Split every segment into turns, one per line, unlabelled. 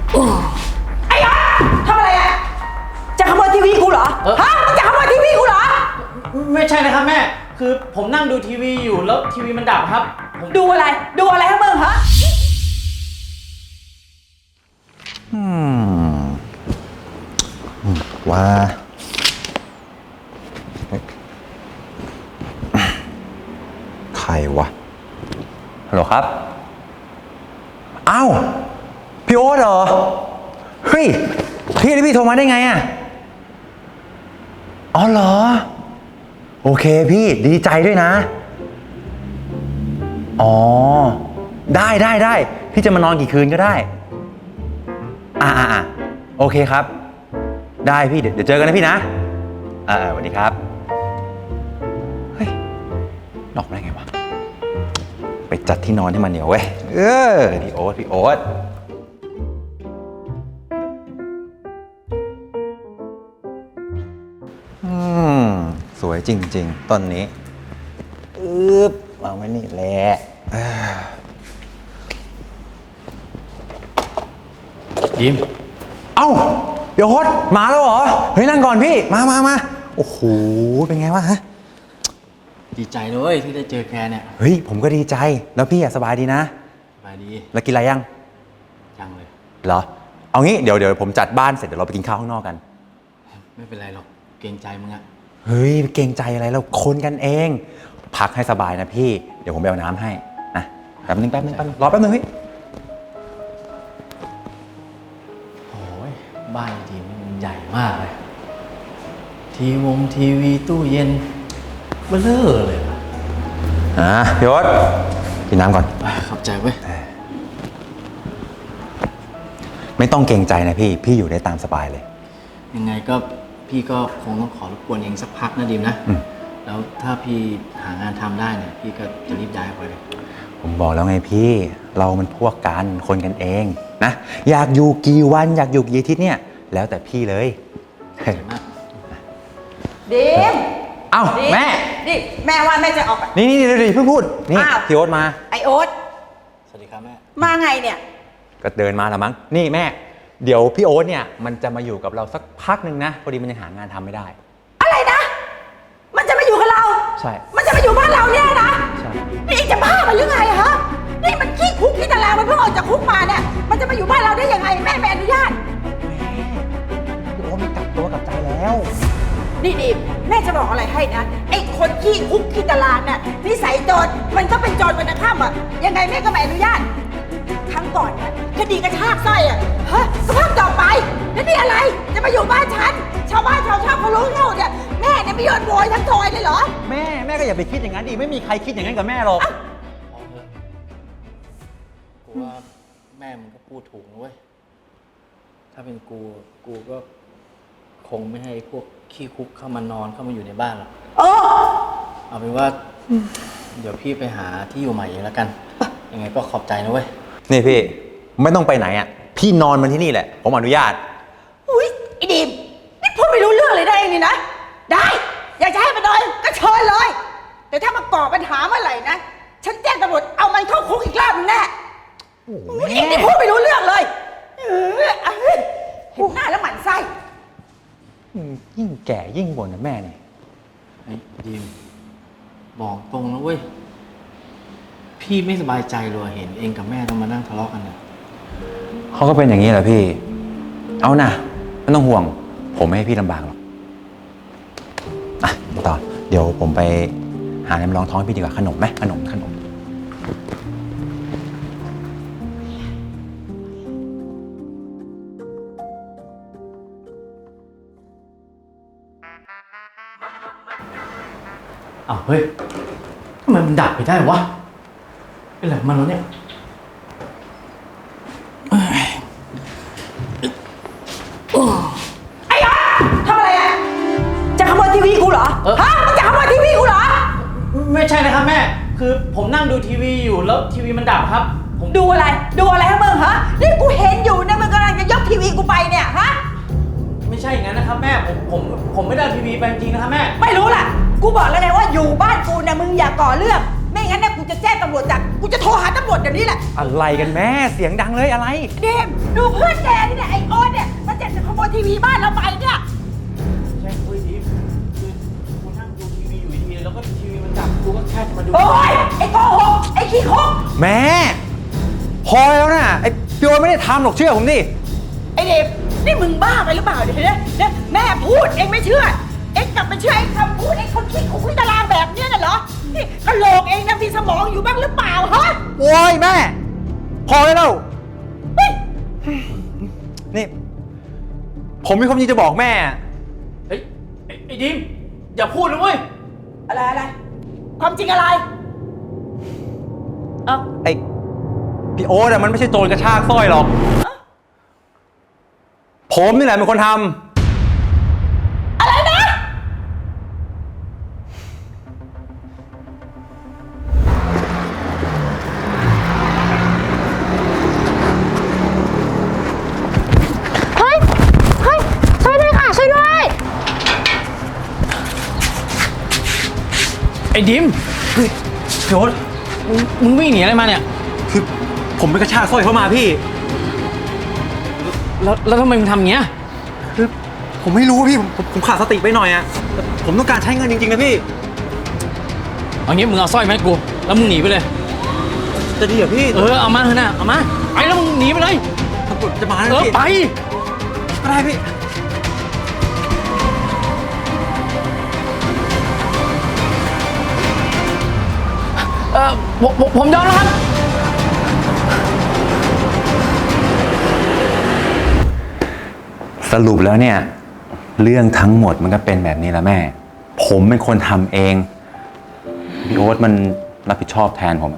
ไอ้อ๊อฟทำอะไรอะจะขโมยทีวีกูเหรอฮะมึงจะขโมยทีวีกูเหรอ
ไม่ใช่นะครับแม่คือผมนั่งดูทีวีอยู่แล้วทีวีมันดับครับ
ดูอะไรให้มึงฮะ
ว่าใครวะฮัลโหลครับอ้าวพี่โอ๊ตเหรอเฮ้ยพี่โทรมาได้ไงอ่ะอ๋อเหรอโอเคพี่ดีใจด้วยนะอ๋อได้พี่จะมานอนกี่คืนก็ได้โอเคครับได้พี่เดี๋ยวเจอกันนะพี่นะสวัสดีครับเฮ้ยนอกได้ไงวะไปจัดที่นอนให้มันเหนียวเว้ยพี่โอ๊ตสวยจริงๆต้นนี้วางไว้นี่แหละ
ยิ้ม
เอ้าพี่โอ๊ตมาแล้วเหรอเฮ้ยนั่งก่อนพี่มาโอ้โหเป็นไงวะฮะ
ดีใจเลยที่ได้เจอแกเนี่ย
เฮ้ยผมก็ดีใจแล้วพี่สบายดีนะ
สบายดี
แล้วกินอะไรยัง
เลย
เหรอเอางี้เดี๋ยวผมจัดบ้านเสร็จเดี๋ยวเราไปกินข้าวข้างนอกกัน
ไม่เป็นไรหรอกเกรงใจมึงอะ
เฮ้ยเกรงใจอะไรเราคนกันเองพักให้สบายนะพี่เดี๋ยวผมไปเอาน้ำให้นะแป๊บนึงรอแป๊บนึงพี่
โอ้ยบ้านทีนี่มันใหญ่มากเลยทีวีตู้เย็นเบ้อเร่อเลย
พี่โอ๊ตกินน้ำก่อน
ขอบใจเว้ย
ไม่ต้องเกรงใจนะพี่อยู่ได้ตามสบายเลย
ยังไงก็พี่ก็คงต้องขอรบกวนเองสักพักนะดิมนะแล้วถ้าพี่หางานทำได้เนี่ยพี่ก็จะรีบย้ายไปเลย
ผมบอกแล้วไงพี่เรามันพวกกันคนกันเองนะอยากอยู่กี่วันอยากอยู่กี่อาทิตย์เนี่ยแล้วแต่พี่เลย
ดิม
เอ้าแม่
นี่แม่ว่าแม่จะออก
นี่เพิ่งพูดนี่พี่โอ๊ตมา
ไอโอ๊ต
สวัสดีครับแม่
มาไงเนี่ย
ก็เดินมาละมั้งนี่แม่เดี๋ยวพี่โอ๊ตเนี่ยมันจะมาอยู่กับเราสักพักหนึ่งนะพอดีมันยังหางานทำไม่ได้
อะไรนะมันจะมาอยู่กับเรา
ใช่
มันจะมาอยู่บ้านเราเนี่ยนะ
ใช่
นี่จะบ้ามันหรือไงฮะนี่มันขี้คุกขี้ตารางมันเพิ่งออกจากคุกมาเนี่ยมันจะมาอยู่บ้านเราได้ยังไงแม่ไม่อนุญาต
พี่โอ๊ตมันกลับตัวกลับใจแล้ว
นี่ดิแม่จะบอกอะไรให้นะไอ้คนขี้คุกขี้ตารางน่ะนิสัยโจรมันก็เป็นโจรวันข้ามอ่ะยังไงแม่ก็ไม่อนุญาตครั้งก่อนเนี่ยคดีกระชากสร้อยอ่ะฮะสภาพต่อไปแล้วนี่อะไรจะมาอยู่บ้านฉันชาวบ้านชาวช่องเขารู้เท่าเนี่ยแม่เนี่ยไม่ยอมโวยทั้งซอยเลยเหรอ
แม่ก็อย่าไปคิดอย่างนั้นดิไม่มีใครคิดอย่างนั้นกับแม่หรอก
กูว่าแม่มึงก็พูดถูกนะเว้ยถ้าเป็นกูก็คงไม่ให้พวกขี้คุกเข้ามานอนเข้ามาอยู่ในบ้านหรอกเอาเป็นว่าเดี๋ยวพี่ไปหาที่อยู่ใหม่เองแล้วกันยังไงก็ขอบใจนะเว้ย
นี่พี่ไม่ต้องไปไหนอ่ะพี่นอนมันที่นี่แหละผมอนุญาต
อุ้ยไอ้ดิมนี่พูดไม่รู้เรื่องเลยได้เองนี่นะได้อยากจะให้มันนอนก็เชิญเลยแต่ถ้ามาก่อปัญหาเมื่อไหร่นะฉันแจ้งตำรวจเอามันเข้าคุกอีกรอบนึงแน่นี่พูดไม่รู้เรื่องเลยเห็นหน้าแล้วหมั่นไส้
ยิ่งแก่ยิ่งบ่นนะแม่เนี่ย
ไอ้ดิมบอกตรงนะเว้ยพี่ไม่สบายใจเลยเห็นเองกับแม่ต้องมานั่งทะเลาะกันเนี่ย
เขาก็เป็นอย่างนี้แหละพี่เอานะไม่ต้องห่วงผมไม่ให้พี่ลำบากหรอกต่อเดี๋ยวผมไปหาน้ำรองท้องพี่ดีกว่าขนมไหมขนม
อ้าวเฮ้ยทำไมมันดับไปได้วะเป็นไรมันแล้วเนี่ย
ไอ้อ๊อฟทำอะไรอ่ะจะขโมยทีวีกูเหรอฮะมึงจะขโมยทีวีกูเหรอ
ไม่ใช่นะครับแม่คือผมนั่งดูทีวีอยู่แล้วทีวีมันดับครับ
ผมดูอะไรให้มึงฮะนี่กูเห็นอยู่นะมึงกำลังจะยกทีวีกูไปเนี่ยฮะ
ไม่ใช่อย่างนั้นนะครับแม่ผมไม่ได้ทีวีไปจริงนะครับแม่
ไม่รู้ล่ะกูบอกแล้วไงว่าอยู่บ้านกูเนี่ยมึงอย่าก่อเรื่องไม่งั้นเนี่ยกูจะแจ้งตำรวจจับกูจะโทรหาตำรวจเดี๋ยวนี้แหละ
อะไรกันแม่เสียงดังเลยอะไร
เดมดูเพื่อนแกนี่เนี่ยไอโอ๊ตเนี่ยมันจะขโมยทีวีบ้านเราไปเนี่ย
ใช่เฮ้ยดิคือกูนั่งดูทีวีอยู่ดีๆแล้วก็ทีวีมันดับกูก็แค่จะมาดู
โอ๊ยไอโกหกไอขี้คุก
แม่พอแล้วนะไอ้พี่โอ๊ตไม่ได้ทำหรอกเชื่อผมดิ
ไอเดมนี่มึงบ้าไปหรือเปล่าเนี่ยแม่พูดเองไม่เชื่อเองกลับไปเชื่อไอ้คำพูดไอ้คนขี้คุกขี้ตารางแบบเนี้ยน่ะเหรอนี่กะโหลกเองนะมีสมองอยู่บ้างหรือเปล่าฮะ
โอ้ยแม่ พอแล้ว
เฮ้ย
นี่ ผมมีความจริงจะบอกแม่
เฮ้ยไอ้ดิมอย่าพูดนะเว้ย
อะไรความจริงอะไรเอ้า
ไอ้พี่โอ๊ตอะมันไม่ใช่โจรกระชากสร้อยหรอก ผมนี่แหละเป็นคนทำ
อะไรนะ
เฮ้ย ช่วยด้วยค่ะ ช่วยด้วย
ไอ้ดิมคือพี่โอ๊ตมึงวิ่งหนีอะไรมาเนี่ย
คือผมไปกระชากสร้อยเขามาพี่
แล้วทำไมมึงทำอย่างเงี้ย
คือผมไม่รู้พี่ผมขาดสติไปหน่อยอะแต่ผมต้องการใช้เงินจริงๆนะพี่
เอางี้มึงเอาสร้อยมาให้กูแล้วมึงหนีไปเลย
จะดีเหรอพี่
เอามาเถอะนะเอามาไปแล้วมึงหนีไปเลย
ตำรวจจะมาแล้ว
ไป
พี่ก็ได้พี่
ผมยอมแล้วครับ
สรุปแล้วเนี่ย เรื่องทั้งหมดมันก็เป็นแบบนี้แหละแม่ ผมเป็นคนทำเองพี่โอ๊ตมันรับผิดชอบแทนผมอะ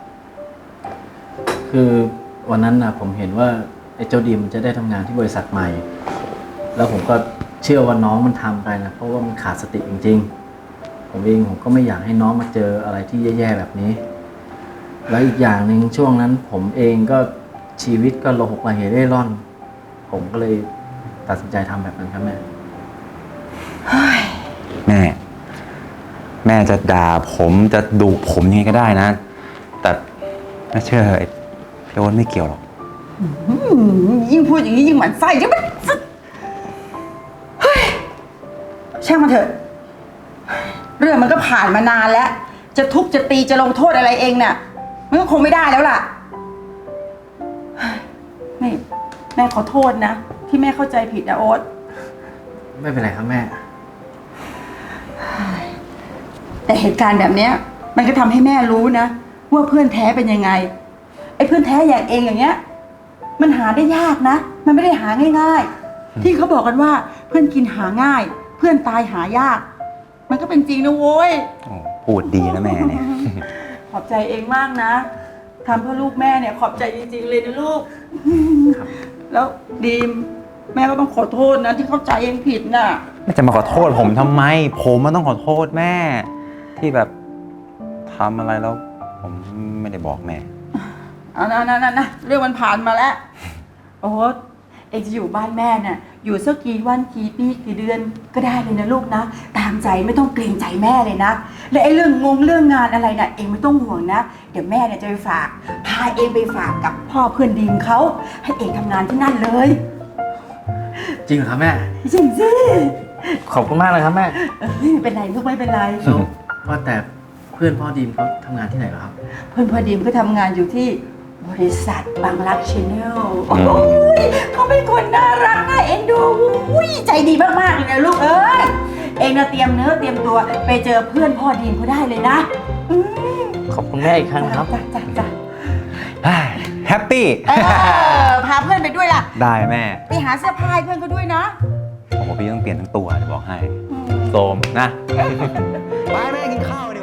คือวันนั้นนะผมเห็นว่าไอ้เจ้าดีมมันจะได้ทำงานที่บริษัทใหม่ แล้วผมก็เชื่อว่าน้องมันทำไปนะเพราะว่ามันขาดสติจริงๆผมก็ไม่อยากให้น้องมาเจออะไรที่แย่ๆแบบนี้ แล้วอีกอย่างหนึ่งช่วงนั้นผมเองก็ชีวิตก็ระหกระเหเร่ร่อน ผมก็เลยตัดสินใจทำแบบนั้นครับแม่
แม่จะด่าผมจะดุผมยังไงก็ได้นะ แต่ไม่เชื่อไอ้พี่โอ๊ตไม่เกี่ยวหรอก
ยิ่งพูดอย่างนี้ยิ่งหมั่นไส้จะมันเฮ้ยช่างมันเถอะ เรื่องมันก็ผ่านมานานแล้ว จะทุบจะตีจะลงโทษอะไรเองเนี่ยมันก็คงไม่ได้แล้วล่ะนี่แม่ขอโทษนะ ที่แม่เข้าใจผิดนะโอ๊ต
ไม่เป็นไรครับแม่
แต่เหตุการณ์แบบเนี้ย มันก็ทำให้แม่รู้นะว่าเพื่อนแท้เป็นยังไง ไอ้เพื่อนแท้อย่างเองอย่างเงี้ย มันหาได้ยากนะ มันไม่ได้หาง่ายๆ ที่เขาบอกกันว่าเพื่อนกินหาง่าย เพื่อนตายหายาก มันก็เป็นจริงนะโว้ย
โอ้พูดดีนะแม่เนี่ย
ขอบใจเองมากนะทำเพื่อลูกแม่เนี่ยขอบใจจริงๆเลยนะลูก
ครับ
แล้วดีมแม่ก็ต้องขอโทษนะที่เข้าใจเองผิดน่ะ
แม่จะมาขอโทษผมทำไม ผมมันต้องขอโทษแม่ ที่แบบทำอะไรแล้ว ผมไม่ได้บอกแม่
เอานะเรื่องมันผ่านมาแล้ว โอ้โหเองจะอยู่บ้านแม่น่ะอยู่สักกี่วันกี่ปีกี่เดือนก็ได้เลยนะลูกนะตามใจไม่ต้องเกรงใจแม่เลยนะและไอ้เรื่องงานอะไรน่ะเองไม่ต้องห่วงนะเดี๋ยวแม่เนี่ยจะไปฝากพาเองไปฝากกับพ่อเพื่อนดีมเขาให้เองทำงานที่นั่นเลย
จริงเหรอครับแม่
จริงสิ
ขอบคุณมากเลยครับแม่
ไม่เป็นไรลูกไม่เป็นไร
แล้วว่าแต่เพื่อนพ่อดีมเขาทำงานที่ไหนเหรอครับ
เพื่อนพอดีมก็ทำงานอยู่ที่บริษัทบางรักชาแนล
อืม
เขาเป็นคนน่ารักน่าเอ็นดูอุ้ยใจดีมากๆเลยนะลูกเอ้ยเองนะเตรียมเนื้อเตรียมตัวไปเจอเพื่อนพ่อดีมเขาได้เลยนะอืม
ขอบคุณแม่อีกครั้งนะครับ
จ้ะ
แฮปปี้
พาเพื่อนไปด้วยล่ะ
ได้แม่
ไปหาเสื้อผ้าให้เพื่อนเขาด้วยนะ
ผมว่าพี่ต้องเปลี่ยนทั้งตัวจะบอกให้
อืม
โซมนะ ไปแม่กินข้าว